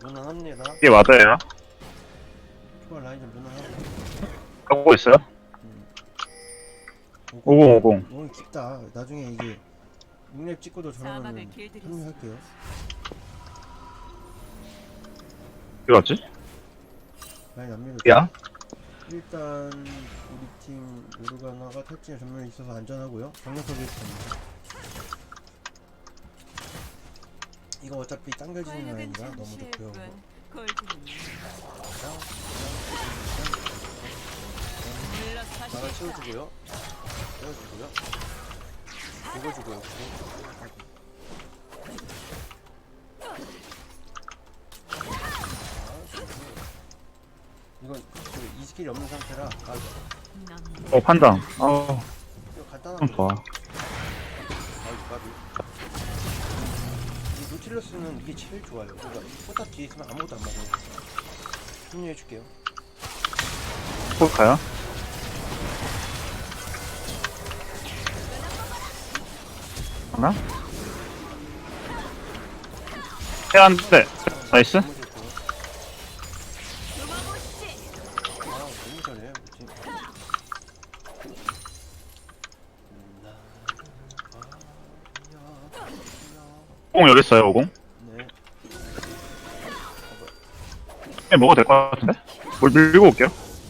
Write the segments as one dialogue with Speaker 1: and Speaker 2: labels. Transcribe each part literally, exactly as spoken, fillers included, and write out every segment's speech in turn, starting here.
Speaker 1: 무난합니다.
Speaker 2: 이게 맞아요.
Speaker 1: 초월 라인 좀 무난하고.
Speaker 2: 하고 있어요.
Speaker 1: 음.
Speaker 2: 오공 오공.
Speaker 1: 너무 깊다. 나중에 이게 육 렙 찍고도 저러면
Speaker 3: 사막을 길들일
Speaker 1: 합류할게요.
Speaker 2: 어디 갔지?
Speaker 1: 라인 안 밀어.
Speaker 4: 야?
Speaker 1: 일단 우리 팀 요르가나가 탈진에 전면에 있어서 안전하고요. 강력하게 있습니다. 이거 어차피 당겨지는 라인이라 너무 좋고요. 나가 채워주고요. 채워주고요. 죽어주고요. 이건 그 이 스킬이 없는 상태라 아,
Speaker 2: 어 판당. 어.
Speaker 1: 이거 간단한
Speaker 2: 좀
Speaker 1: 거.
Speaker 2: 좋아.
Speaker 1: 아이고 까비. 이 노틸러스는 이게 제일 좋아요. 그러니까 포탑 뒤에 있으면 아무것도 안 맞아요. 합류해줄게요.
Speaker 2: 꼭 가요. 하나? 해안 돼. 나이스.
Speaker 1: 너무 좋고. 아 너무 잘해 우리 팀.
Speaker 2: 오공 여기 있어요. 오공.
Speaker 1: 네.
Speaker 2: 네, 먹어도 될 것 같은데? 뭘 밀고 올게요.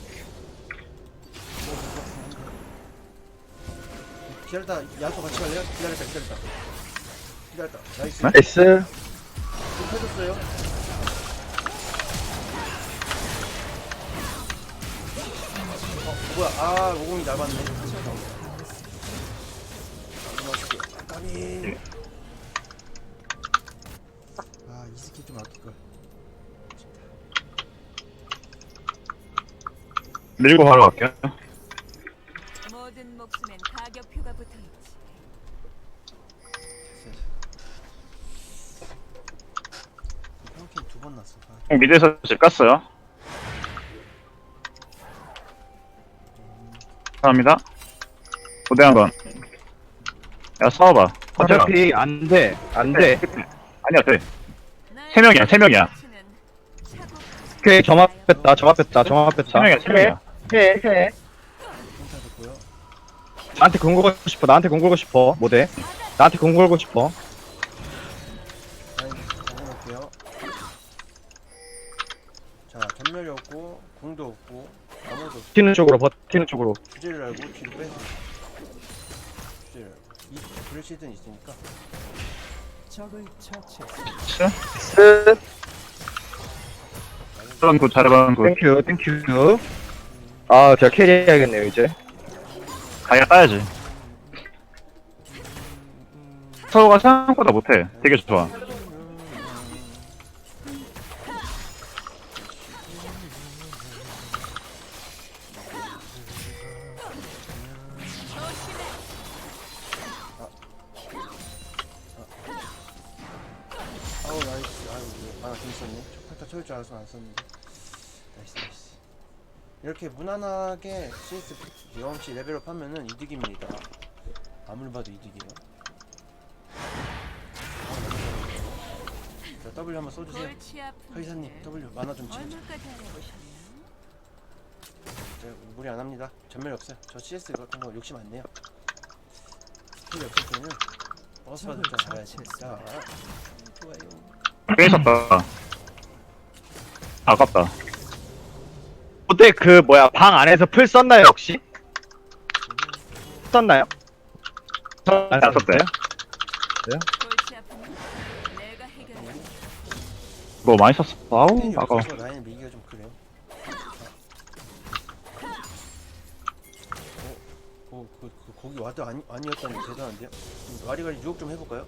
Speaker 1: 기다렸다. 야수 같이 갈래요? 기다렸다. 기다렸다. 기다렸다. 나이스.
Speaker 2: 네?
Speaker 4: 나이스.
Speaker 1: 좀 펴줬어요. 어 뭐야? 아 오공이 날 봤네. 맛있게. 까비. 아 이 스킬 좀 아낄 걸.
Speaker 2: 밀고 바로 갈게요.
Speaker 3: 모든 목숨엔 가격표가 붙어있지.
Speaker 1: 평균 두 번 났어. 아,
Speaker 2: 공 미드에서 집 갔어요. 감사합니다. 고대한 건. 야 싸워봐. 버텨라.
Speaker 4: 어차피 안 돼. 안 돼.
Speaker 2: 아니야 돼. 세 명이야 세 명이야.
Speaker 4: 오케이, 점압 뺐다. 점압 뺐다. 점압 뺐다.
Speaker 2: 세 명이야 세 명이야.
Speaker 4: 해, 해.
Speaker 1: 평타 줬고요.
Speaker 4: 나한테 공 걸고 싶어. 나한테 공 걸고 싶어. 못해. 나한테 공 걸고 싶어.
Speaker 1: 라인 잡아놓을게요. 자 전멸이 없고 공도 없고 아무도 없고
Speaker 4: 버티는 쪽으로, 버티는 쪽으로.
Speaker 1: 주제를 알고 뒤로 빼서 주제를 알고 이 브레시든 있으니까
Speaker 4: 스.
Speaker 2: 그런 굿 잘해봐 굿.
Speaker 4: 땡큐, 땡큐. 아, 제가 캐리해야겠네요, 이제.
Speaker 2: 가야 따야지. 서로가 생각보다 못해. 되게 좋아.
Speaker 1: 아우 나이스. 아유 아나 재밌었네. 평타 쳐줄 줄 알아서 안 썼는데. 나이스 나이스. 이렇게 무난하게 씨에스 경험치 레벨업 하면은 이득입니다. 아무리 봐도 이득이에요. 자 W 한번 써주세요. 회사님 W 만화 좀 채워줘.
Speaker 3: 얼마까지 알아보셨나요?
Speaker 1: 자, 무리 안 합니다. 전멸이 없어요. 저 씨에스 같은 거 욕심 안 내요. 스킬이 없을 때는 버스 받을 줄 알아야 되니까. 좋아요.
Speaker 2: 깨졌다. 아깝다.
Speaker 4: 그때 그, 뭐야, 방 안에서 풀 썼나요, 혹시? 썼나요?
Speaker 2: 안 썼대.
Speaker 3: 골치 아프면 내가 해결해.
Speaker 2: 뭐 많이 썼어. 아우
Speaker 1: 스킬이
Speaker 2: 아까워.
Speaker 1: 없어서 라인을 밀기가 좀 그래요. 어, 어, 그, 그 거기 와드 아니, 아니었다니 대단한데요? 그럼 와리가리 유혹 좀 해볼까요?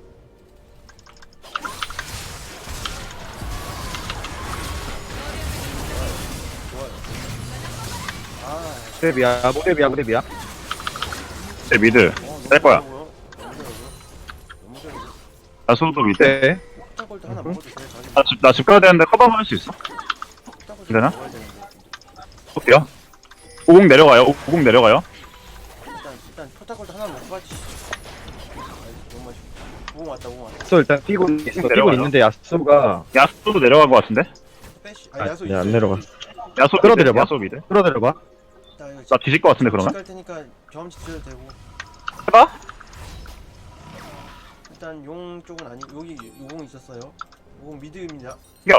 Speaker 1: 좋아요. 아,
Speaker 4: 무대비야, 무대비야, 무대비야.
Speaker 2: 제 미드.
Speaker 1: 어, 너무
Speaker 2: 뺄 거야.
Speaker 1: 잘하고요. 너무 잘하고요. 너무 잘하고요.
Speaker 2: 나수도 미드.
Speaker 4: 네.
Speaker 1: 폭탄골도 하나 먹어도 돼요. 자기
Speaker 2: 나 집, 나 집 가야 되는데 커버만 할 수 있어?
Speaker 1: 폭탄골
Speaker 2: 되나?
Speaker 1: 먹어야 되는데.
Speaker 2: 볼게요. 오공 내려가요. 오공 내려가요.
Speaker 1: 일단 일단 포타골도 하나 먹고 가지. 아이, 너무 맛있고. 오공 왔다 오공 왔다.
Speaker 4: 야수 일단 뛰고 있어. 뛰고
Speaker 2: 내려가요.
Speaker 4: 있는데 야수가
Speaker 2: 야수도 내려간 것 같은데?
Speaker 1: 빼시.
Speaker 4: 아,
Speaker 1: 아 야수
Speaker 4: 네, 안
Speaker 1: 있어요.
Speaker 4: 내려가.
Speaker 2: 야수
Speaker 4: 끌어들여봐.
Speaker 2: 야수 미드.
Speaker 4: 끌어들여봐.
Speaker 1: 나 이거
Speaker 2: 나 뒤질 것 같은데 그러면?
Speaker 1: 갈 테니까 경험치 드려도 되고.
Speaker 2: 해봐.
Speaker 1: 일단 용 쪽은 아니 여기 오공 있었어요. 오공 미드입니다.
Speaker 2: 야.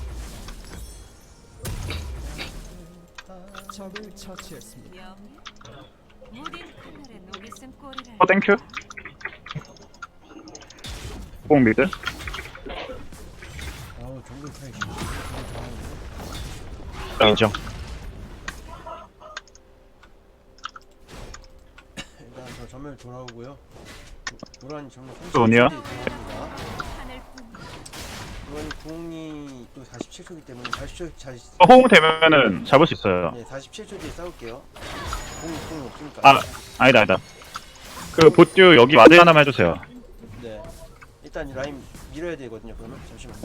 Speaker 5: 적을 처치했습니다.
Speaker 3: 명예? 무딘 칼날에 녹이 쓴 꼴이라.
Speaker 2: 어 땡큐. 공 미드.
Speaker 1: 아우 정글 타이.
Speaker 4: 인정.
Speaker 1: 일단 저 전멸 돌아오고요. 노란이 전멸
Speaker 2: 돈이요?
Speaker 1: 돌아옵니다.
Speaker 3: 하늘뿐.
Speaker 1: 노란이 궁이 또 사십칠 초이기 때문에 사십 초 잘.
Speaker 2: 어, 호응 되면은 잡을 수 있어요.
Speaker 1: 네 사십칠 초 뒤에 싸울게요. 궁 궁이 없으니까.
Speaker 2: 아 아니다 아니다. 그 보듀 여기 와드 하나만 해주세요.
Speaker 1: 네. 일단 이 라인 밀어야 되거든요. 그러면 잠시만요.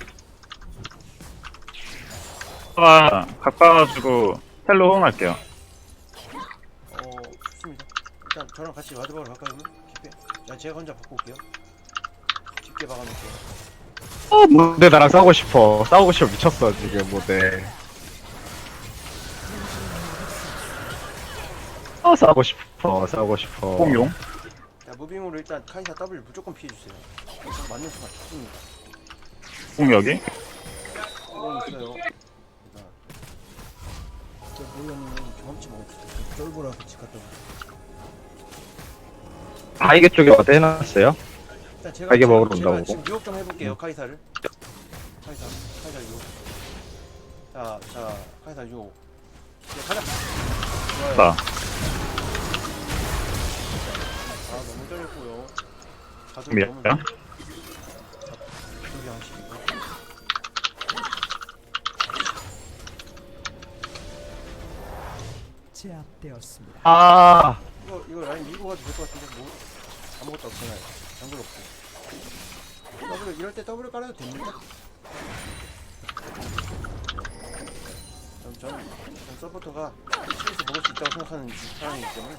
Speaker 2: 아 가까워가지고 텔로 호응할게요.
Speaker 1: 어 좋습니다. 일단 저랑 같이 와드 박으러 갈까요? 그러면 깊게. 야 제가 혼자 바꿔 올게요. 깊게 박아놓을게요.
Speaker 4: 어, 모대 나랑 싸우고 싶어. 싸우고 싶어 미쳤어 지금 모대. 어 싸우고 싶어. 싸우고 싶어.
Speaker 2: 공용.
Speaker 1: 자 무빙으로 일단 카이사 W 무조건 피해주세요. 저 맞는 수가 좋습니다.
Speaker 2: 공 여기.
Speaker 1: 공 있어요. 일단 저 몰랐는데 경험치 먹었어. 쫄보라서 집 갔다 오고.
Speaker 4: 바이게 쪽에 와드 해놨어요.
Speaker 1: 일단 제가
Speaker 4: 이게
Speaker 1: 제가-
Speaker 4: 먹으러
Speaker 1: 제가
Speaker 4: 온다고.
Speaker 1: 지금 유혹 좀 해볼게요. 카이사를. 카이사 카이사 유혹. 자, 자 카이사 유혹. 네, 가자. 좋아요.
Speaker 2: 나.
Speaker 1: 아 너무 잘했고요. 가슴
Speaker 2: 미안.
Speaker 1: 너무 잘- 저기 양식이고.
Speaker 5: 제압되었습니다.
Speaker 4: 아
Speaker 1: 이거 이거 라인 밀고 가도 될 것 같은데 뭐 아무것도 없잖아요. 장글 없고. 더블 이럴 때 더블 깔아도 됩니까? 전, 전, 전 서포터가 시에서 먹을 수 있다고 생각하는 사람이기 때문에.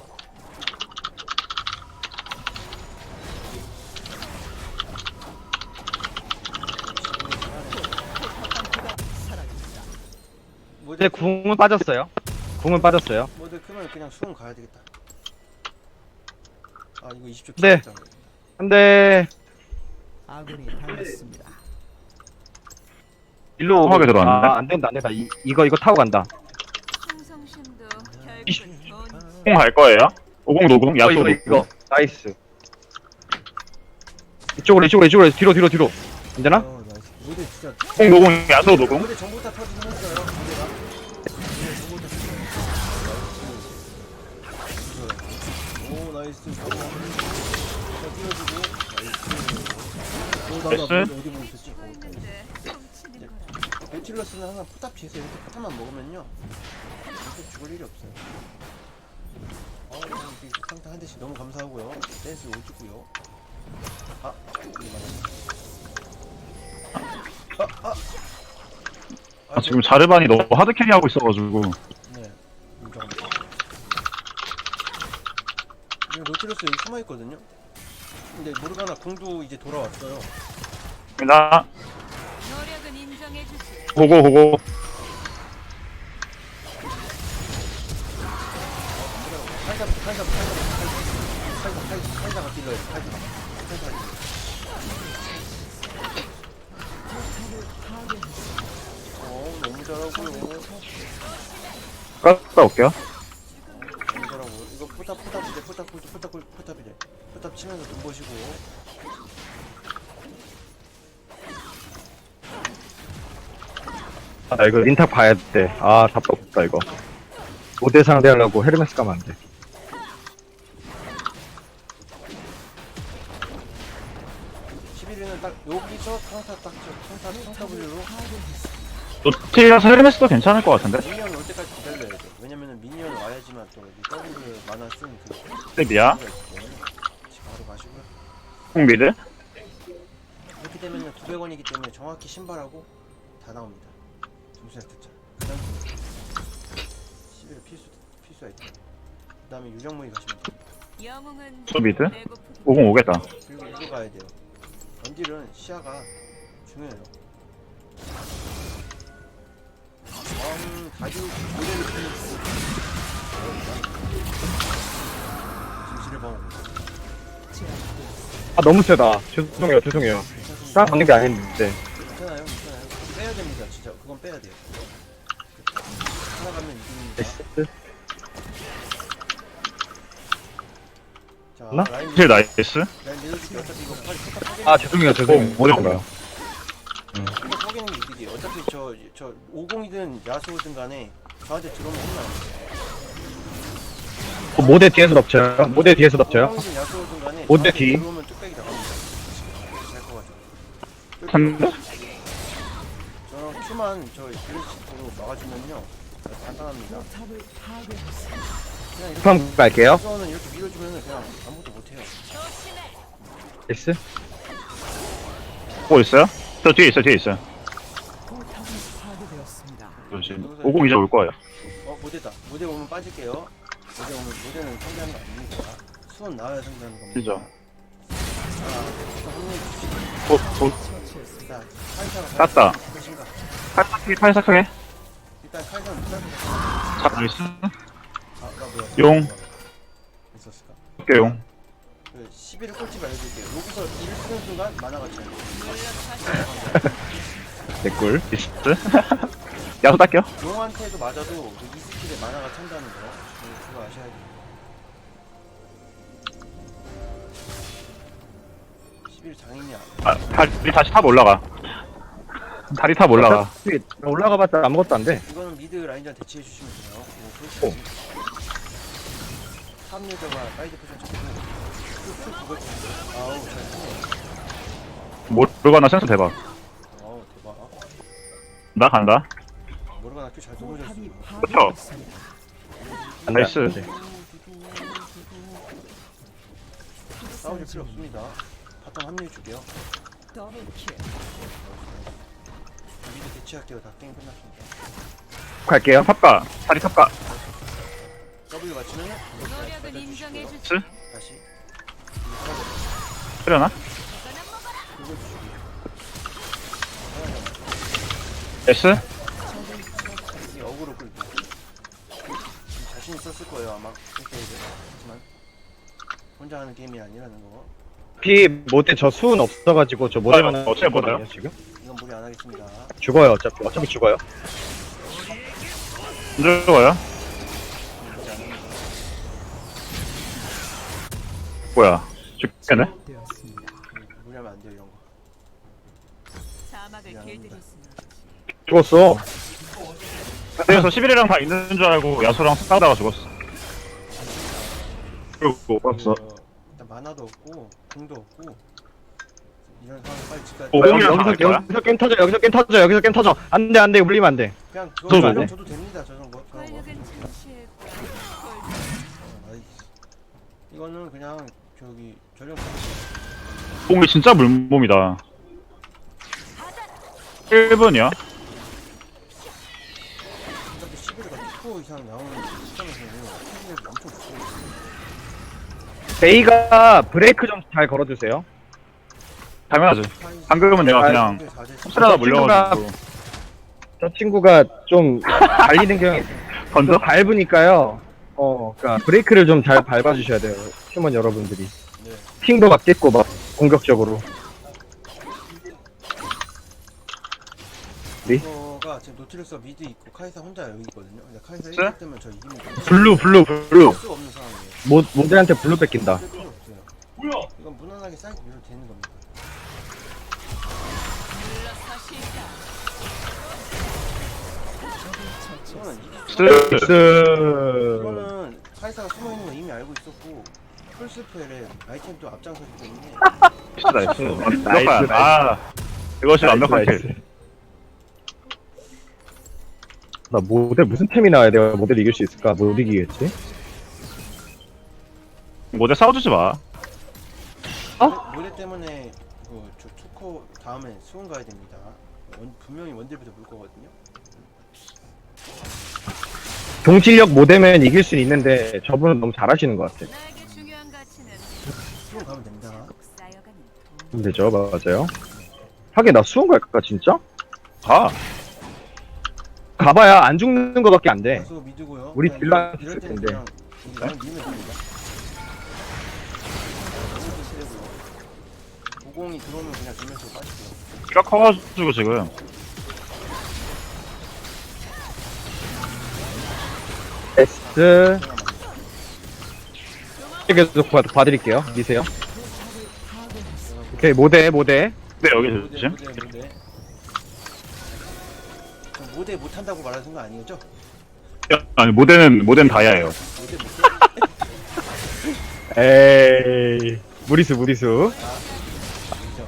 Speaker 1: 모드,
Speaker 4: 이제 궁은 빠졌어요. 궁은 빠졌어요.
Speaker 1: 모드 크면 그냥 수능 가야 되겠다. 아 이거 이십 초
Speaker 4: 네.
Speaker 1: 기다렸잖아.
Speaker 4: 근데
Speaker 5: 아군이 당했습니다.
Speaker 4: 일로
Speaker 2: 험하게 들어왔네.
Speaker 4: 아, 안 된다 안 된다. 이, 이거 이거 타고 간다.
Speaker 3: 충성심도 결국은 돈.
Speaker 2: 공 갈 거예요. 오공 노공 야수
Speaker 4: 어, 이거
Speaker 2: 노공.
Speaker 4: 이거 나이스. 이쪽으로 이쪽으로 이쪽으로 뒤로 뒤로 뒤로. 안 되나?
Speaker 1: 어, 나이스. 모드 진짜.
Speaker 2: 공 노공 야수 노공.
Speaker 1: 모드 전부 다 터지긴 했어요. 모드가. 네, 전부 다 터지긴 했어요. 오 나이스. 자 띄워주고 나이스. 오 나나
Speaker 2: 나이스.
Speaker 1: 어디 보고 있었지?
Speaker 3: 쓰고
Speaker 1: 어, 나이스.
Speaker 3: 있는데 훔치는 거라.
Speaker 1: 배틀러스는 항상 포탑 뒤에서 이렇게 포탑만 먹으면요 절대 죽을 일이 없어요. 어, 이렇게 상타 한 대씩 너무 감사하고요. 댄스 오주고요. 아, 이게 맞았네. 아, 아,
Speaker 2: 아, 지금 자르반이 너무 하드 캐리 하고 있어가지고.
Speaker 1: 네, 인정합니다. 지금 노틸러스 여기 숨어 있거든요. 근데 모르가나 궁도 이제 돌아왔어요.
Speaker 2: 나
Speaker 3: 노력은 인정해주지.
Speaker 2: 고고 고고.
Speaker 1: 칼자, 칼자, 칼자, 칼자, 칼자, 칼자가 딜러요. 칼자가, 칼자가. 어, 너무 잘하고요.
Speaker 2: 갔다 올게요.
Speaker 1: 너무 잘하고. 이거 포탑, 포탑이래, 포탑, 포탑, 포탑, 포탑이래. 포탑 치면서 돈 버시고.
Speaker 4: 아 이거 린탑 봐야 돼. 아 답답했다 이거. 모대 상대하려고 헤르메스 가면 안 돼.
Speaker 1: 십일 위는 딱 여기서 카운터 딱 쳐, 카운터, 카운터 W로
Speaker 2: 노틸이라서 헤르메스도 괜찮을 것 같은데?
Speaker 1: 미니언 올 때까지 기다려야 돼. 왜냐면은 미니언 와야지만 또 여기 W 만화 쓰는 그
Speaker 2: 랩이야.
Speaker 1: 수가 있기 때문에 같이 바로 가시고요.
Speaker 2: 공 미드.
Speaker 1: 이렇게 되면은 구백 원이기 때문에 정확히 신발하고 다 나옵니다. 점수에 듣자. 그다음 십일 필수 필수 아이템. 그다음에 유령무이 가시면 돼요.
Speaker 3: 영웅은
Speaker 2: 저 미드?
Speaker 3: 배고프기
Speaker 2: 오공 오겠다.
Speaker 1: 그리고 이거 가야 돼요. 원딜은 시야가 중요해요. 음, 다주 모델을 피는 진실을 봐오고
Speaker 4: 아 너무 세다. 죄송해요 죄송해요. 딱 받는 게 아닌데.
Speaker 1: 괜찮아요, 괜찮아요. 빼야 됩니다, 진짜. 그건 빼야 돼요. 살아가면 이깁니다.
Speaker 4: 나이스.
Speaker 1: 자,
Speaker 4: 나?
Speaker 1: 라인
Speaker 2: 실 나이스.
Speaker 1: 라인 밀어줄게. 어차피 이거 빨리 포탑 파괴.
Speaker 4: 아 죄송해요 죄송해요.
Speaker 2: 어, 어려워요.
Speaker 1: 이거 파괴는 게 이득이에요. 어차피 저, 저 오공이든 야수든 간에 저한테 들어오면 혼나요.
Speaker 4: 그 모대 뒤에서 덮쳐요. 모대 뒤에서 덮쳐요.
Speaker 1: 오공이든 야수든 간에
Speaker 4: 모대
Speaker 1: 저한테
Speaker 4: 뒤.
Speaker 1: 들어오면 뚝배기 나갑니다. 잘 커가지고.
Speaker 2: 한
Speaker 1: 저는 큐만 저 블리치로 막아주면요. 간단합니다.
Speaker 5: 포탑을 파괴했습니다.
Speaker 1: 그냥 이렇게
Speaker 4: 방 갈게요.
Speaker 1: 우선은 이렇게 밀어주면은 그냥 아무것도 못해요.
Speaker 4: 나이스.
Speaker 2: 보고 있어요? 저 뒤에 있어, 뒤에 있어요.
Speaker 5: 포탑이 파괴되었습니다.
Speaker 2: 조심. 오공 이제 올 거예요.
Speaker 1: 어, 모델다. 모델 오면 빠질게요. 모델 오면 모델은 상대하는 거 아닙니다. 수원 나와야 상대하는 겁니다.
Speaker 2: 그죠.
Speaker 1: 자, 합류해 주시죠.
Speaker 2: 도, 도,
Speaker 1: 자, 카이사가
Speaker 2: 땄다.
Speaker 1: 것인가?
Speaker 2: 팔삭하게, 팔삭하게.
Speaker 1: 일단 카이사는 무슨
Speaker 2: 자, 나이스.
Speaker 1: 아, 나 뭐야?
Speaker 2: 용.
Speaker 1: 있었을까?
Speaker 2: 깨용.
Speaker 1: 그 십일을 꼴찌 알려줄게요. 여기서 일을 쓰는 순간 만화가 차요.
Speaker 4: 개꿀.
Speaker 2: 나이스. 야수 딸게요.
Speaker 1: 용한테도 맞아도 그이 스킬에 만화가 찬다는 거. 그- 그거 아셔야 돼요. 십일 장인이 안
Speaker 2: 아, 다리 다시 탑 올라가. 다리 탑 올라가.
Speaker 4: 어차피 올라가봤자 아무것도 안 돼.
Speaker 1: 이거는 미드 라인전 대치해 주시면 돼요. 뭐
Speaker 4: 오.
Speaker 1: 탑 유저가 사이드 포션 잡고 쭉 그걸 주 아우 잘 쓰네.
Speaker 2: 모르가나 센스 대박.
Speaker 1: 아우 대박.
Speaker 2: 나 간다.
Speaker 1: 모르가나 큐잘 쏘셔졌어.
Speaker 5: 포탑이
Speaker 2: 그쵸?
Speaker 5: 파괴되었습니다.
Speaker 4: 안 돼,
Speaker 2: 나이스.
Speaker 4: 안 돼.
Speaker 1: 싸우실 필요 없습니다. 바텀 합류해 줄게요.
Speaker 5: 더블킬.
Speaker 1: 미드 대치할게요. 다 게임 끝났습니다.
Speaker 4: 갈게요.
Speaker 2: 탑가. 다리 탑가.
Speaker 1: W 맞추면
Speaker 3: 노력은 인정해 주지.
Speaker 2: 스?
Speaker 1: 다시
Speaker 2: 그려나?
Speaker 1: 긁어 주시고.
Speaker 2: S?
Speaker 1: 이 어그로 끌고. 자신 있었을 거예요 아마. 이렇게 하지만 혼자 하는 게임이 아니라는 거.
Speaker 4: 피 모대 저 수은 없어가지고 저 모대만
Speaker 2: 아, 어차피 못 와요?
Speaker 4: 지금
Speaker 1: 이건 무리 안 하겠습니다.
Speaker 4: 죽어요. 어차피 어차피 죽어요.
Speaker 2: 안 들어가요?
Speaker 1: 무리 안 합니다.
Speaker 2: 뭐야. 죽겠네?
Speaker 5: 되었습니다.
Speaker 1: 음, 무리하면 안 돼요 이런 거.
Speaker 3: 사막을
Speaker 1: 미안합니다.
Speaker 3: 길들일 수는 없지.
Speaker 4: 죽었어.
Speaker 2: 그래서 십일이랑 다 있는 줄 알고 야수랑 싸우다가 죽었어. 그리고 벌써.
Speaker 1: 어, 일단 만화도 없고 궁도 없고 이런 상황 빨리 집까지.
Speaker 2: 오,
Speaker 4: 여기,
Speaker 2: 공이랑
Speaker 4: 여기서
Speaker 2: 나갈 거야?
Speaker 4: 여기서 게임 터져. 여기서 게임 터져. 여기서 게임 터져. 안돼 안돼 물리면 안돼.
Speaker 1: 그냥 그거
Speaker 2: 저도
Speaker 1: 말로
Speaker 2: 돼?
Speaker 1: 줘도 됩니다 저 정도. 저 정도.
Speaker 3: 권력은 잠시의
Speaker 1: 어, 나이스. 이거는 그냥 저기 전령
Speaker 2: 공이 진짜 물몸이다. 일 분이야?
Speaker 1: 어차피 십일가 이 이상 나오는 시점에서는 스킬이 엄청 좋고.
Speaker 4: 베이가 브레이크 좀 잘 걸어주세요.
Speaker 2: 당연하지. 방금은 내가
Speaker 4: 아,
Speaker 2: 그냥
Speaker 1: 사제
Speaker 2: 흡수하다 물려가지고.
Speaker 4: 저 친구가 좀 달리는 경향이 좀
Speaker 2: 건져?
Speaker 4: 밟으니까요. 어, 그러니까 브레이크를 좀 잘 밟아주셔야 돼요. 팀원 여러분들이.
Speaker 1: 네.
Speaker 4: 핑도 맞겠고 막 공격적으로. 네?
Speaker 1: 이거가 지금 노틸러스가 미드 있고 카이사 혼자 여기 있거든요. 근데 카이사
Speaker 2: 네?
Speaker 1: 일 킬 뜨면 저 이깁니다.
Speaker 4: 블루 블루 블루.
Speaker 1: 할 수가 없는 상황이에요.
Speaker 4: 모 모델한테 블루 뺏긴다.
Speaker 1: 쓸 필요 없어요. 이건 무난하게 사이드 밀어도 되는 겁니다. 이거는 이기
Speaker 2: 스.
Speaker 4: 스.
Speaker 1: 이거는 카이사가 숨어 있는 거 이미 알고 있었고 풀스펠에 아이템도 앞장서기 때문에
Speaker 2: 나이스.
Speaker 4: 나이스,
Speaker 2: 완벽한. 아, 이것이 완벽한
Speaker 4: 나이스.
Speaker 2: 킬.
Speaker 4: 나 모델 무슨 템이 나와야 내가 모델 이길 수 있을까? 못 이기겠지?
Speaker 2: 모델 싸워주지 마.
Speaker 1: 모델 때문에 그저 초코 다음에 수원 가야 됩니다. 원, 분명히 원딜부터 물 거거든요.
Speaker 4: 동실력 모델면 이길 수 있는데 저분은 너무 잘하시는 것 같아.
Speaker 3: 나에게 중요한 가치는
Speaker 1: 수원 가면 됩니다.
Speaker 3: 쌓여가는
Speaker 4: 되죠, 맞아요. 하긴 나 수은 갈까 진짜?
Speaker 2: 가.
Speaker 4: 가봐야 안 죽는 거밖에 안 돼.
Speaker 1: 가수 미드고요.
Speaker 4: 우리
Speaker 1: 그냥
Speaker 4: 딜라
Speaker 1: 이럴- 이럴 때는
Speaker 4: 텐데.
Speaker 1: 그냥 우리 라인 밀면 됩니다. 오공이 들어오면 그냥 주면서 빠질게요.
Speaker 2: 키가 커가지고 지금.
Speaker 4: S 계속 봐, 봐드릴게요. 미세요. 오케이 모대 모대.
Speaker 2: 네, 여기
Speaker 1: 모대
Speaker 2: 조심.
Speaker 1: 모대 모대. 저 모대 못한다고 말하는 거 아니겠죠?
Speaker 2: 아니, 모델은, 모델은 다이아예요.
Speaker 1: 모대 못해?
Speaker 4: 에이 무리수 무리수.
Speaker 1: 인정.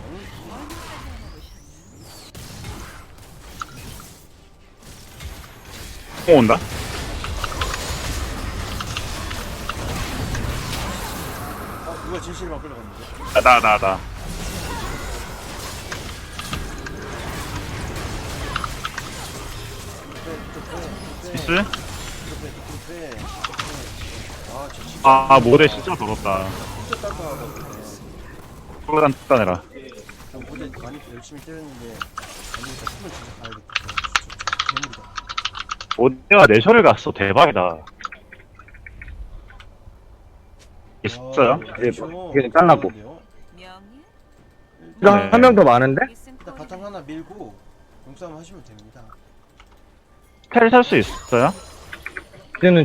Speaker 2: 어, 온다?
Speaker 1: 아 누가 진실만 끌려갔는데?
Speaker 2: 아, 나, 나, 나. 미스?
Speaker 1: 아, 저 진짜
Speaker 2: 아, 아, 모델 진짜 더럽다.
Speaker 1: 진짜 따뜻하거든요.
Speaker 2: 프로단 특단해라.
Speaker 1: 전 모델 많이 열심히 때렸는데 안 되겠다. 숨을 진짜 가야겠다. 진짜 괴물이다.
Speaker 2: 모델가 내셔를 갔어. 대박이다. 있어요?
Speaker 1: 아,
Speaker 4: 이게
Speaker 1: 그렇죠.
Speaker 4: 이게 잘라고.
Speaker 1: 그런데요?
Speaker 3: 명예?
Speaker 4: 이거
Speaker 2: 네.
Speaker 4: 한 명 더 많은데?
Speaker 3: 목숨
Speaker 1: 일단
Speaker 3: 꼬리.
Speaker 1: 바탕 하나 밀고 용싸움 하시면 됩니다.
Speaker 2: 텔 살 수 있어요?
Speaker 4: 이제는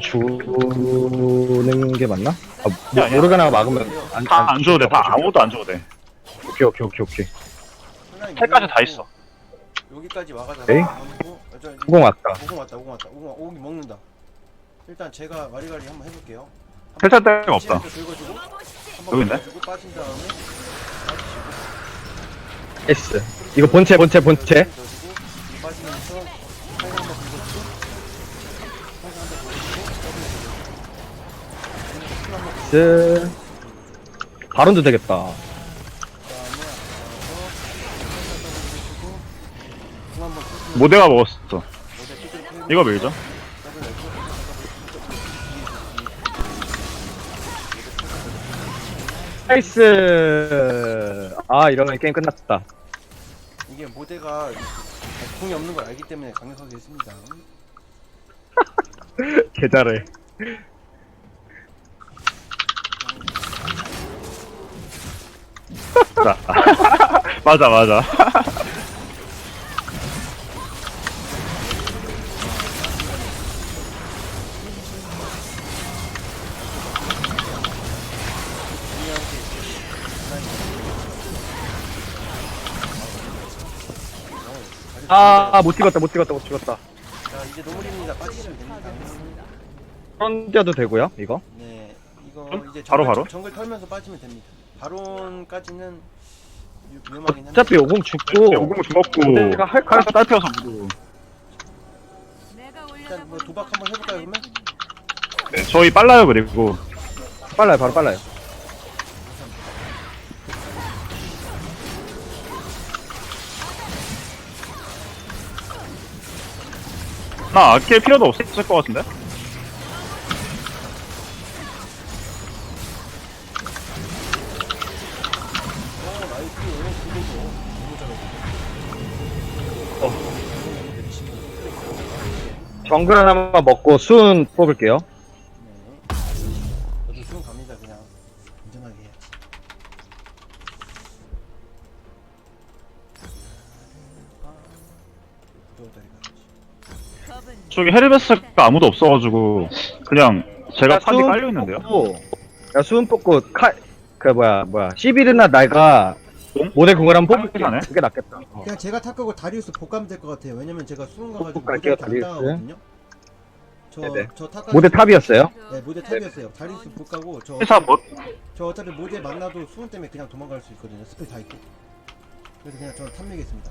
Speaker 4: 주는 게 맞나? 아, 모,
Speaker 2: 아니야.
Speaker 4: 모르가나가 막으면 안,
Speaker 2: 다 안 줘도 돼. 다 아무것도 안 줘도 돼.
Speaker 4: 오케이 오케이 오케이 오케이.
Speaker 1: 플라잉
Speaker 2: 텔까지 다
Speaker 1: 밀어놓고
Speaker 2: 있어.
Speaker 1: 여기까지 와가지고
Speaker 4: 에이?
Speaker 1: 가지고, 어, 저,
Speaker 4: 오공 왔다.
Speaker 1: 오공 왔다. 오공 왔다. 오공 오공이 먹는다. 일단 제가 와리가리 한번 해볼게요.
Speaker 2: 텔 살 데가 없다.
Speaker 1: 시간도 긁어주고 한번
Speaker 2: 여기 있네?
Speaker 1: 긁어주고 빠진 다음에 빠지시고
Speaker 4: S. 이거 본체 본체 본체.
Speaker 1: 넣어주고 이 빠지면서 살살 한번 긁어주고 살살 한번 긁어주고
Speaker 4: S. 바론도 되겠다.
Speaker 1: 그다음에 앞서서 살살 긁어주고 공 한번 긁고
Speaker 2: 모델가 먹었어.
Speaker 1: 모델 삐뚤 펴고
Speaker 2: 이거 밀죠?
Speaker 1: 더블 내고
Speaker 4: 나이스. 아 이러면 게임 끝났다.
Speaker 1: 이게 모델가 공이 없는 걸 알기 때문에 강력하게 했습니다.
Speaker 4: 개 잘해.
Speaker 2: 자. 맞아, 맞아.
Speaker 4: 아 못 찍었다 못 찍었다 못 찍었다.
Speaker 1: 자 이제 노물입니다. 빠지시면 됩니다.
Speaker 4: 던져도 되고요 이거.
Speaker 1: 네, 이거
Speaker 2: 음?
Speaker 1: 이제
Speaker 2: 바로,
Speaker 1: 정글,
Speaker 2: 바로?
Speaker 1: 정글 털면서 빠지면 됩니다. 바론까지는 위- 위험하긴 한데.
Speaker 4: 어차피 오공 죽고
Speaker 2: 오공 죽었고.
Speaker 4: 모델가 할
Speaker 2: 칼에서 딸피어서 무도.
Speaker 3: 내가
Speaker 1: 일단 뭐
Speaker 3: 올려다
Speaker 1: 도박 한번 해볼까요 그러면?
Speaker 2: 네, 저희 빨라요, 그리고.
Speaker 4: 빨라요 바로 빨라요.
Speaker 2: 나 아낄 필요도 없을 것 같은데?
Speaker 1: 어 나이스. 그거죠. 너무 잘하고. 어.
Speaker 4: 정글 하나만 먹고 순 뽑을게요.
Speaker 1: 네. 저도 수능 갑니다 그냥. 안전하게 해야지. 부도다리 가야지.
Speaker 3: 겁은
Speaker 2: 저기 헤르메스가 아무도 없어가지고, 그냥 제가 탑이
Speaker 4: 수은
Speaker 2: 깔려있는데요?
Speaker 4: 뽑고, 야 수은 뽑고 칼 그 뭐야 뭐야 시비르나 내가
Speaker 2: 응?
Speaker 4: 모델 궁을 한번 뽑을게.
Speaker 2: 하네.
Speaker 4: 그게 낫겠다. 어.
Speaker 1: 그냥 제가 탑하고 다리우스 복가면 될 것 같아요. 왜냐면 제가 수능 가가지고
Speaker 4: 복 갈게요,
Speaker 1: 모델한테 안
Speaker 4: 다리우스.
Speaker 1: 당하거든요. 저,
Speaker 4: 네네.
Speaker 1: 저 탑.
Speaker 4: 모델 탑이었어요.
Speaker 1: 네, 모델 탑이었어요. 다리우스 복가고 저
Speaker 2: 회사 뭐,
Speaker 1: 저 어차피 모델 만나도 수능 때문에 그냥 도망갈 수 있거든요. 스펠 다 있고. 그래서 그냥 저는 탑매겠습니다.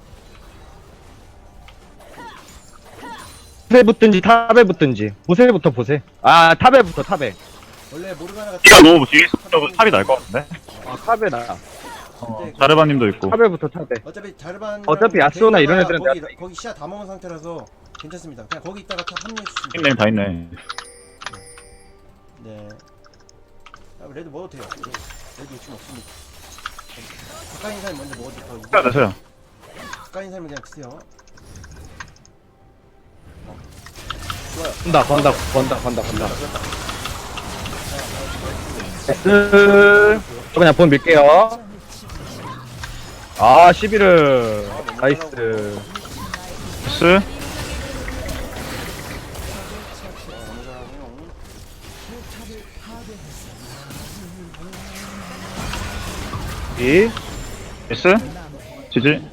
Speaker 4: 보세 붙든지 탑에 붙든지 보세부터 보세. 아 탑에 붙어 탑에.
Speaker 1: 원래 모르가나가
Speaker 2: 키가 너무 뒤에 있어서 탑이 날 것 같은데?
Speaker 4: 아 탑에 나.
Speaker 2: 어, 자르바님도 있고.
Speaker 4: 탑에 붙어 탑에.
Speaker 1: 어차피 자르반
Speaker 4: 어차피 야스오나 이런 애들은
Speaker 1: 거기,
Speaker 4: 내가
Speaker 1: 거기 시야 다 먹은 상태라서 괜찮습니다. 그냥 거기 있다가 탑 합류해 주시면
Speaker 2: 닉네임 다 있네.
Speaker 1: 네. 아, 레드 먹어도 돼요. 레드 욕심 없습니다. 가까이 있는 사람이 먼저 먹어도 더 이득.
Speaker 2: 해야 돼서요.
Speaker 1: 가까이 있는 사람이 그냥 드세요. 어. 좋아요.
Speaker 4: 건다 건다 건다 건다 건다.
Speaker 1: 그렇다.
Speaker 4: 나이스. 저 그냥 본 밀게요. 아 시비르. 나이스.
Speaker 2: 나이스.
Speaker 1: 어, 너무 잘하고요.
Speaker 5: 포탑을 파괴했습니다.
Speaker 4: 이.
Speaker 2: 나이스. 지지.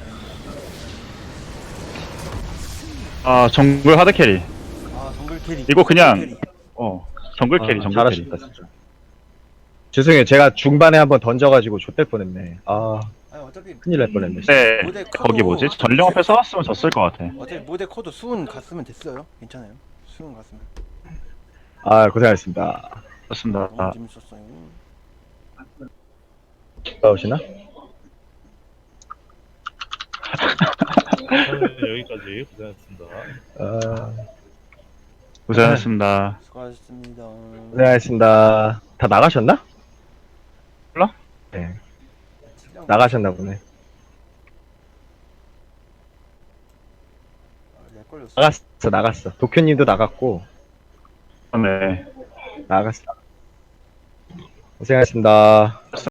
Speaker 2: 아, 정글 하드 캐리.
Speaker 1: 아 정글 캐리.
Speaker 2: 이거 그냥-
Speaker 1: 정글 캐리.
Speaker 2: 어, 정글 캐리,
Speaker 4: 아,
Speaker 2: 정글 캐리.
Speaker 4: 잘하셨다 진짜. 죄송해요. 제가 중반에 한번 던져가지고 좆될 뻔했네. 아
Speaker 1: 아니 어차피
Speaker 4: 큰일 날 뻔했네.
Speaker 2: 네,
Speaker 1: 모델 커도-
Speaker 2: 거기 뭐지? 전령 앞에 써왔으면 졌을 것 같아.
Speaker 1: 어차피 모델 코드 수은 갔으면 됐어요. 괜찮아요. 수은 갔으면.
Speaker 4: 아 고생하셨습니다.
Speaker 2: 좋습니다.
Speaker 1: 너무 재밌었어요.
Speaker 4: 나오시나?
Speaker 6: 여기까지 고생하셨습니다.
Speaker 4: 아
Speaker 2: 고생하셨습니다.
Speaker 1: 수고하셨습니다.
Speaker 4: 고생하셨습니다. 다 나가셨나?
Speaker 2: 몰라?
Speaker 4: 네
Speaker 1: 질량
Speaker 4: 나가셨나 보네.
Speaker 1: 아, 렉 걸렸어.
Speaker 4: 나갔어 나갔어. 도쿄님도 나갔고
Speaker 2: 네.
Speaker 4: 나갔어. 고생하셨습니다.